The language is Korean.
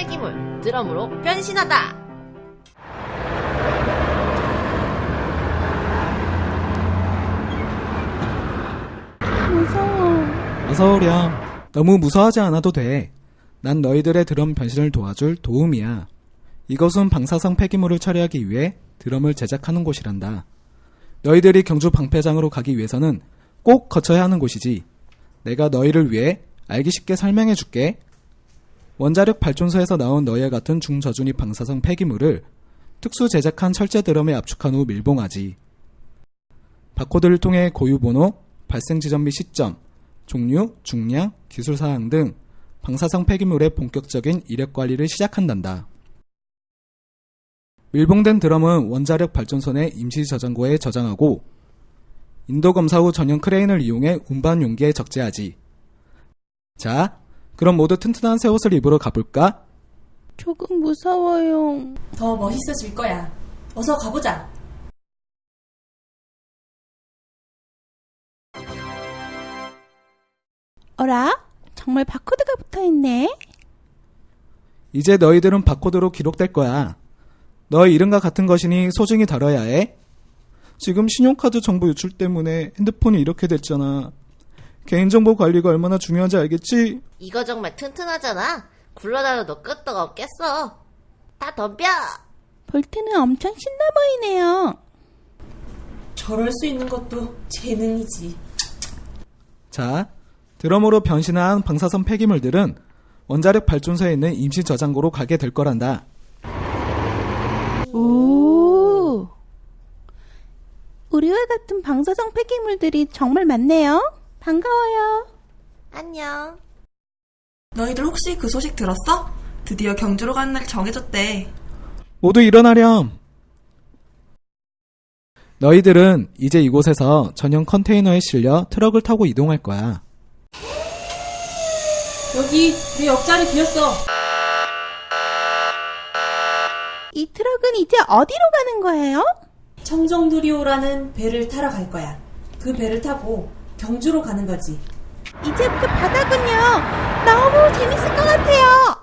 폐기물 드럼으로 변신하다. 무서워. 어서오렴. 너무 무서워하지 않아도 돼. 난 너희들의 드럼 변신을 도와줄 도움이야. 이것은 방사성 폐기물을 처리하기 위해 드럼을 제작하는 곳이란다. 너희들이 경주 방패장으로 가기 위해서는 꼭 거쳐야 하는 곳이지. 내가 너희를 위해 알기 쉽게 설명해 줄게. 원자력 발전소에서 나온 너희와 같은 중저준위 방사성 폐기물을 특수 제작한 철제 드럼에 압축한 후 밀봉하지. 바코드를 통해 고유번호, 발생 지점 및 시점, 종류, 중량, 기술사항 등 방사성 폐기물의 본격적인 이력 관리를 시작한단다. 밀봉된 드럼은 원자력 발전소 내 임시 저장고에 저장하고 인도 검사 후 전용 크레인을 이용해 운반 용기에 적재하지. 자, 그럼 모두 튼튼한 새 옷을 입으러 가볼까? 조금 무서워요. 더 멋있어질 거야. 어서 가보자. 어라? 정말 바코드가 붙어있네? 이제 너희들은 바코드로 기록될 거야. 너의 이름과 같은 것이니 소중히 다뤄야 해. 지금 신용카드 정보 유출 때문에 핸드폰이 이렇게 됐잖아. 개인정보 관리가 얼마나 중요한지 알겠지? 이거 정말 튼튼하잖아. 굴러다녀도 끄떡 없겠어. 다 덤벼. 볼트는 엄청 신나 보이네요. 저럴 수 있는 것도 재능이지. 자, 드럼으로 변신한 방사선 폐기물들은 원자력 발전소에 있는 임시 저장고로 가게 될 거란다. 오. 우리와 같은 방사성 폐기물들이 정말 많네요. 반가워요. 안녕. 너희들 혹시 그 소식 들었어? 드디어 경주로 가는 날 정해졌대. 모두 일어나렴. 너희들은 이제 이곳에서 전용 컨테이너에 실려 트럭을 타고 이동할 거야. 여기 내 옆자리 비었어. 이 트럭은 이제 어디로 가는 거예요? 청정누리호라는 배를 타러 갈 거야. 그 배를 타고 경주로 가는 거지. 이제부터 바다군요. 너무 재밌을 것 같아요.